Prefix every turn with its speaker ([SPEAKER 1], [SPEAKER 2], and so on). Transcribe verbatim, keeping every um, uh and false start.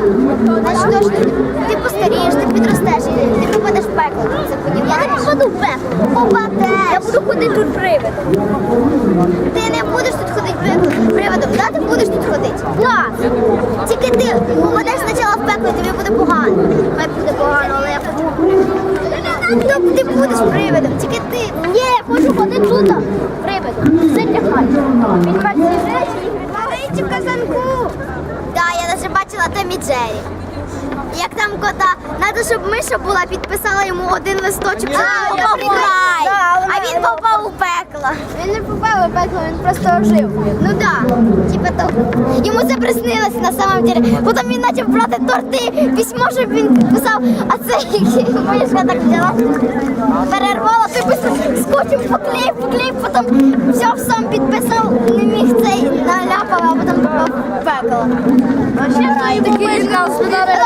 [SPEAKER 1] Значить, точно, ти постарієш, ти підростеш і ти попадеш в пекло. Це понімаєш? Я не попаду в пекло. Попадеш. Я буду ходити тут привидом. Ти не будеш тут ходити привидом, да? Ти будеш тут ходити? Так. Тільки ти попадеш спочатку в пекло, і тобі буде погано. Має буде погано, але я хочу привидом. Ти будеш привидом, тільки ти. Ні, я хочу ходити тут привидом. Це для хати. Відбачте речі і відбачте в казанку. Так, я навіть бачила Том і Джері. Як там кота, треба, щоб Миша була, підписала йому один листочок, щоб він попав в рай, а він попав у пекло. Він не попав у пекло, він просто ожив. Ну так, типа того. Йому це приснилося на самом деле. Потім він почав брати торти, письмо, щоб він підписав, а це Мишка так взяла, перервала, ти просто скотчем поклеїв, поклеїв, потім взяв сам підписав, не міг цей наляпав, а потім попав в пекло. А ще такий